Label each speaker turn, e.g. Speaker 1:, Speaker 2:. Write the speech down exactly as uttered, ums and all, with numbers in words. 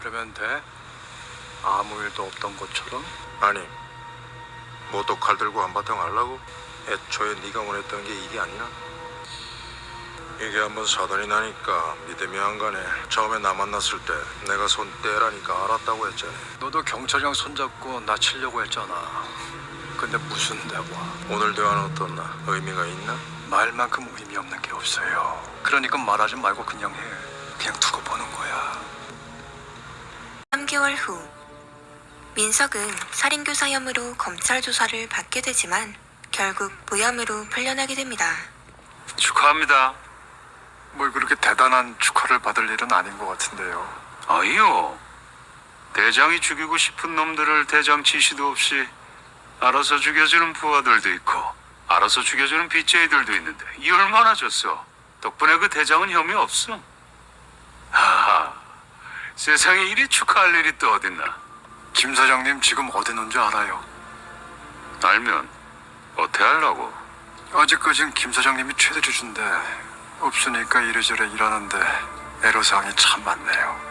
Speaker 1: 그러면 돼? 아무 일도 없던 것처럼?
Speaker 2: 아니, 뭐 또 칼 들고 한바탕 하려고? 애초에 네가 원했던 게 이게 아니야? 이게 한번 사단이 나니까 믿음이 안 가네. 처음에 나 만났을 때 내가 손 떼라니까 알았다고 했잖아.
Speaker 1: 너도 경찰이랑 손잡고 나 치려고 했잖아. 근데 무슨 대화?
Speaker 2: 오늘 대화는 어떻나? 의미가 있나?
Speaker 1: 말만큼 의미 없는 게 없어요. 그러니까 말하지 말고 그냥 해. 그냥 두고 보는 거야.
Speaker 3: 삼 개월 후 민석은 살인교사 혐의로 검찰 조사를 받게 되지만 결국 무혐의로 풀려나게 됩니다.
Speaker 4: 축하합니다.
Speaker 1: 뭘 그렇게 대단한 축하를 받을 일은 아닌 것 같은데요.
Speaker 4: 아이요. 대장이 죽이고 싶은 놈들을 대장 지시도 없이 알아서 죽여주는 부하들도 있고 알아서 죽여주는 빚쟁이들도 있는데 이 얼마나 줬어. 덕분에 그 대장은 혐의 없어. 하하. 세상에 이리 축하할 일이 또 어딨나.
Speaker 1: 김 사장님 지금 어디 있는 줄 알아요?
Speaker 4: 알면 어떻게 하려고.
Speaker 1: 아직까진 김 사장님이 최대 주주인데 없으니까 이래저래 일하는데 애로사항이 참 많네요.